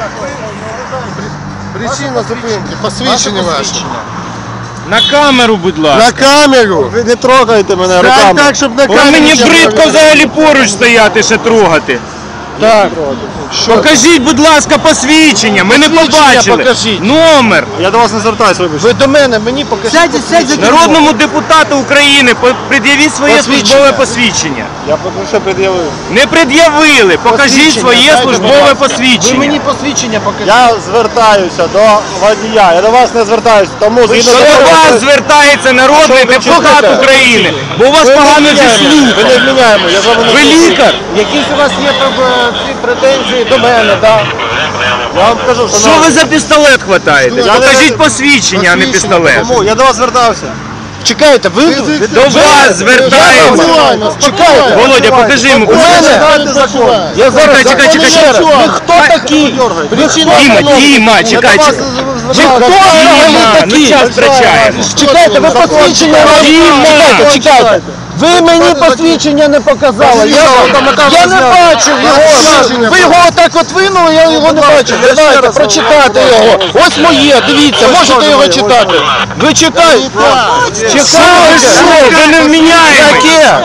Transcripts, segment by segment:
Причина зупинки, посвідчення ваше. На камеру, будь ласка. На камеру! Ви не трогайте мене руками. Так, щоб на камеру. Мені бридко взагалі поруч стояти, ще трогати. Так. Покажіть, будь ласка, посвідчення. Ми не побачили. Покажіть. Номер. Я до вас не звертаюся, вибачте. Ви до мене, мені покажіть. Народному депутату України пред'явіть своє службове посвідчення. Я поки що пред'явив. Не пред'явили. Покажіть своє службове Ви посвідчення. мені посвідчення покажіть. Я звертаюся до водія. Я до вас не звертаюся. Тому Що до вас звертається народний депутат України, бо у вас погано зі слухом. Ви не вміняємо. Я з вами не Ви лікар? Якісь у вас є претензії до мене, так? Я вам кажу, Що ви за пістолет хватаєте? Покажіть посвідчення, а не пістолет. Тому я до вас звертався. Чекайте, ви До вас звертаємося. чекайте. Володя, покажи йому. Я зараз Чекай. Ви хто такі? Діма, чекай. Ви хто Ну час втрачаємо. Чекайте, ви посвідчення чекайте. Ви мені посвідчення не показали. Я не бачив його. Ви його отак от винули, я його не бачив. Давайте, прочитайте його. Ось моє, дивіться, можете його читати. Ви читайте. Чекайте. Ви не вміняєте. Яке?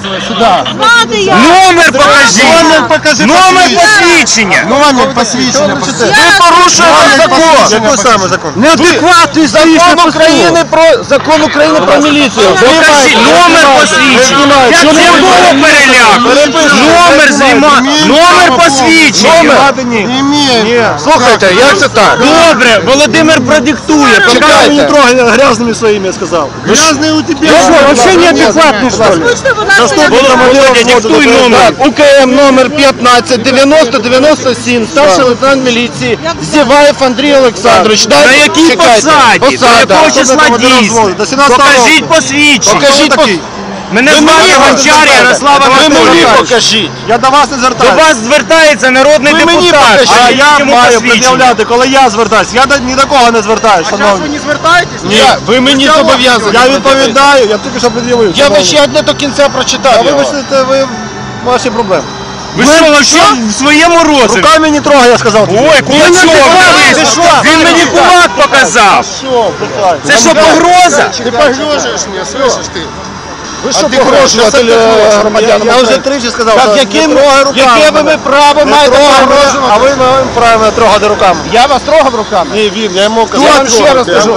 Номер покажіть. Номер посвідчення. Номер посвідчення. Ви порушуєте закон. Який саме закон? Неадекватний закон України про міліцію. Покажіть номер посвідчення. Це було переляк. Номер знімає. Номер посвідчення. Ні. Слухайте, як це так? Добре, Володимир продиктує. Чекай, не трогай грязными своими, я сказал. Грязные у тебя. Вообще неадекватный, что ли? Володя, диктуй номер. УКМ номер 15 90 97, старший лейтенант міліції Зіваєв Андрій Олександрович. На якій посаді? До якого числа дійсно? Покажіть посвідчення. Покажіть. Мене звати Гончар Ярослав Анатолійович. Покажіть. Я до вас не До звертаюся. вас звертається народний депутат. А я Йому маю посвідчення. пред'являти, коли я звертаюся. Я ні до кого не звертаюся, шановні. не звертаєтесь? Ні, ви мені зобов'язані. Я відповідаю, я тільки що пред'явив. Я вам ще одне до кінця прочитав. Вибачте, це ви ваші проблеми. Ви що, вообще в своєму розумі? Руками не трогай, я сказав. Ой, кулачок, дивись. Він мені кулак показав. Що, питай. Це що, погроза? Ти погрожуєш мені, слышиш ти? Ви що погрожуєте громадянам? Я вже тричі сказав, що Яке не трогай руками. ви право маєте погрожувати? А ви маєте право мене трогати руками. Я вас трогав руками? Ні, він, я йому казав. Я вам ще раз кажу,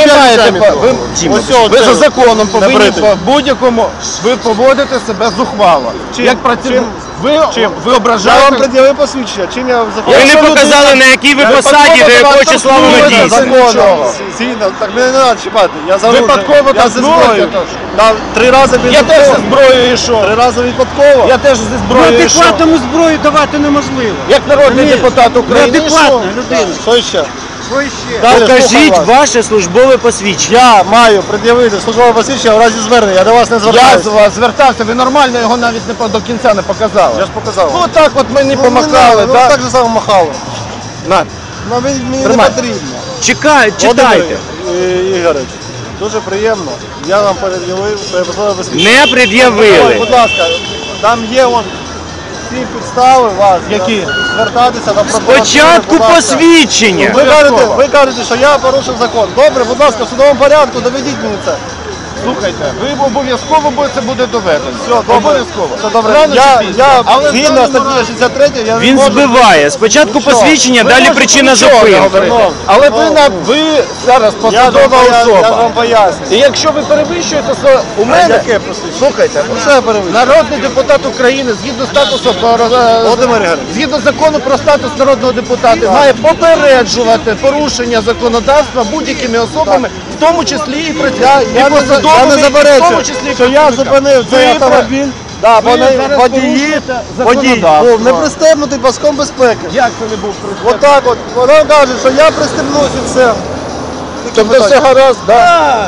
ви за законом повинні Набрити. по будь-якому, ви поводите себе зухвало. Як працівник, ви Я вам ображаєте. пред'явив посвідчення. Чим я закон? Ви не показали, на якій ви посаді, до якого числа воно дійсно. Законом. Згідно, так мене не треба чіпати. Я за Випадково я так зі зброю. зброєю. Там 3 рази Я теж зі зброєю йшов. 3 рази випадково. Я теж зі зброєю йшов. Неадекватному зброю давати неможливо. Як народний депутат України. Неадекватна людина. Що ще? Покажіть слухаю вас. ваше службове посвідчення. Я маю пред'явити службове посвідчення в разі звернення. Я до вас не Я звертаюся. з вас звертався, ви нормально його навіть до кінця не показали. Я ж показав. Ну так от мені Ну, помахали, ну, так? так же само махали. На. Ну, мені не Тримай. потрібно. Читайте. Володимир Ігорович, дуже приємно. Я вам пред'явив своє службове посвідчення. Не пред'явили. Будь ласка, там є всі підстави вас Які? звертатися до прокуратури. Спочатку будь ласка. посвідчення. Ви кажете, що я порушив закон. Добре, будь ласка, в судовому порядку доведіть мені це. Слухайте, ви обов'язково це буде доведено. Все, добре. Обов'язково. Все добре. Рано чи пізно. Я Але згідно в даному статті разі- 63, я не Він можу... збиває. Спочатку посвідчення, Ви далі можете причина нічого не зупинки. говорити. Але ви зараз Я посадова вам особа. поясню. І якщо ви перевищуєте у мене, Яке посвідчення? слухайте, Що я перевищую? народний депутат України згідно статусу Володимир Ігорович. згідно закону про статус народного депутата має попереджувати порушення законодавства будь-якими особами, в тому числі і Я не посадовими, в заперечую, тому числі і що я працівниками. зупинив цей Ви автомобіль. Да, ви вони зараз водії порушуєте законодавство. був не пристебнутий паском безпеки. Як це не був пристебнутий? Отак от. Вона каже, що я пристебнувся і все. Тобто все гаразд, так?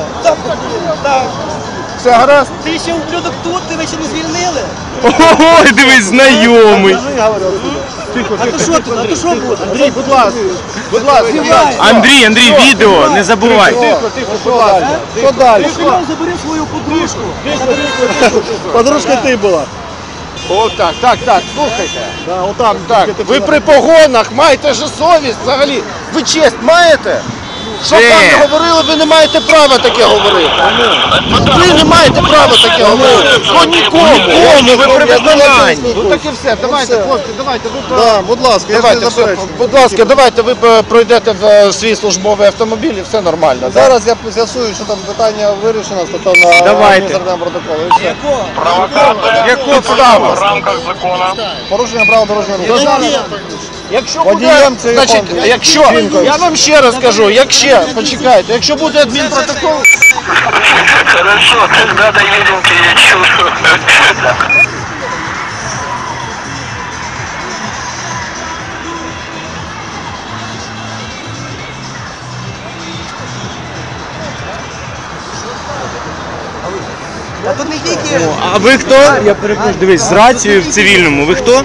Все гаразд? Ти ще ублюдок тут, тебе ще не звільнили? Ой, дивись, знайомий. А то що тут? А то що буде? Андрій, будь ласка. Будь ласка, Андрій, відео, не забувай. Що далі? Ти забери свою подружку. Подружка ти була. О, так, слухайте. Да, отам. Так, тільки ви при погонах маєте же совість взагалі. Ви честь маєте? Що б вам не говорили, ви не маєте права таке говорити. Ви не маєте права таке говорити. Ну нікому. ви при виконанні. Ну так і все. Давайте, хлопці, давайте. Да, будь ласка, я ж не Давайте, все, заперечую. будь ласка, давайте ви пройдете в свій службовий автомобіль і все нормально. Да? Зараз я з'ясую, що там питання вирішено стосовно Давайте. адміністративного протоколу. І все. Яку підставу? Порушення правил дорожнього руху. Якщо Водієм буде, це значить, фонд. якщо, я вам ще раз кажу, почекайте, якщо буде адмінпротокол, Хорошо, тогда доедем к вечеру. А тут не тільки. А ви хто? Я перепрошую, дивись, з рацією в цивільному. Ви хто?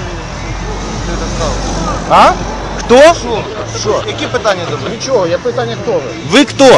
а? Хто? Що? Які питання до мене? Нічого, я питання хто ви? Ви хто?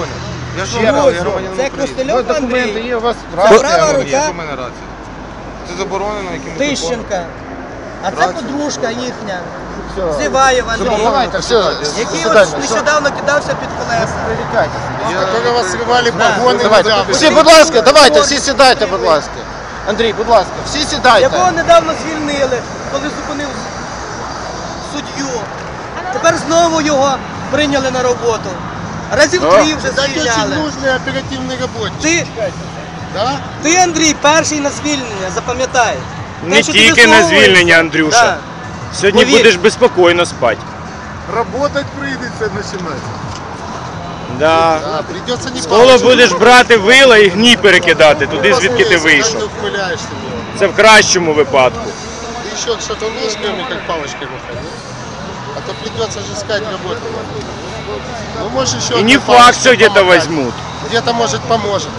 Це Костельов Документи Андрій. є у вас? Права рука Це заборонено якимось Тищенка. А це подружка їхня. Зіваєва Андрій. Давайте, все, Який сідайте, от нещодавно кидався під колеса. Коли вас сливали погони, Давайте, всі, будь ласка, давайте, всі сідайте, будь ласка. Андрій, будь ласка, всі сідайте. Якого недавно звільнили, коли зупинив суддю. Тепер знову його прийняли на роботу. Разів 3 вже звільняли. нужний оперативний роботник. Ти, Андрій, перший на звільнення, запам'ятай. Не Те, що ти тільки на висовуєш. звільнення, Андрюша. Да. Сьогодні Повір. будеш безпокійно спати. Работать прийдеться починати. Да. Придеться не Скоро будеш брати вила і гній перекидати туди, звідки ти вийшов. Ты ухмыляешься в него. Це в кращому випадку. Ты еще что-то ложками, как палочкой выходил. А то придется же искать работу. Ну, может, еще І не одна факт, палочка що где-то помогает. возьмут. Где-то, может, поможет.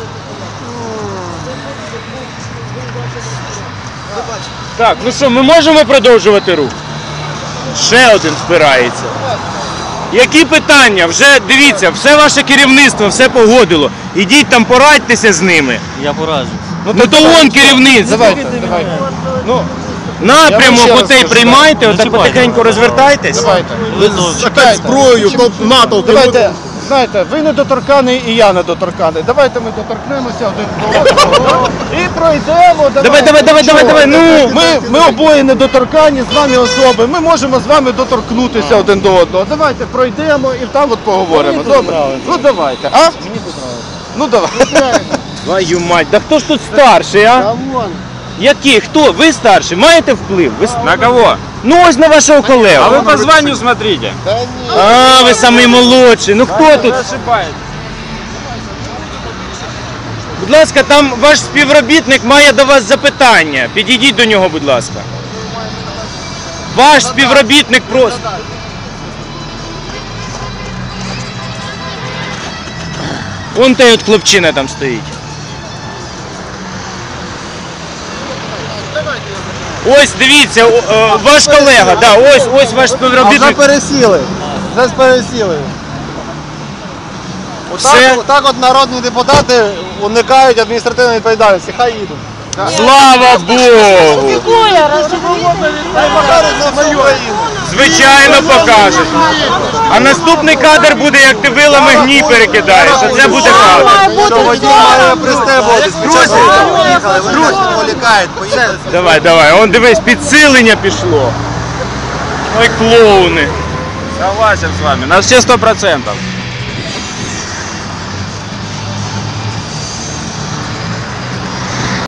Так, ну що, ми можемо продовжувати рух? Ще один впирається. Які питання? Вже дивіться, все ваше керівництво, все погодило. Ідіть там порадьтеся з ними. Я пораджу. Ну то вон керівництво. Давайте. Ну, Напрямок Я вам ще раз отей скажу. приймайте, отак чіпайте. потихеньку розвертайтесь. давайте. Опять зброю, натовп. Давайте, знаєте, ви недоторканий і я недоторканий. Давайте ми доторкнемося один до одного і пройдемо. Давай, ну. Ми обоє недоторкані, з вами особи. Ми можемо з вами доторкнутися один до одного. Давайте пройдемо і там от поговоримо. Добре? Ну давайте. А? Мені тут нравиться. Ну давай. Твою мать, да хто ж тут старший, а? Які? Хто? Ви старший? Маєте вплив? На кого? Ну ось на вашого колегу. А ви по званню смотрите. А, ви самий молодший. Ну хто тут? Будь ласка, там ваш співробітник має до вас запитання. Підійдіть до нього, будь ласка. Ваш співробітник просто. Вон той от хлопчина там стоїть. Ось дивіться, ваш колега, да, ось ваш співробітник. пересіли. Вже пересіли. Все. Отак от народні депутати уникають адміністративної відповідальності. Хай їдуть. Слава Богу! Хай покажуть на свою країну. Звичайно покажуть. А наступний кадр буде, як ти вилами гній перекидаєш. А це буде кадр. Що водій має пристебуватись. Друзі, Давай, он дивись, підсилення пішло. Ой, клоуни. Согласен с вами. На все 100%.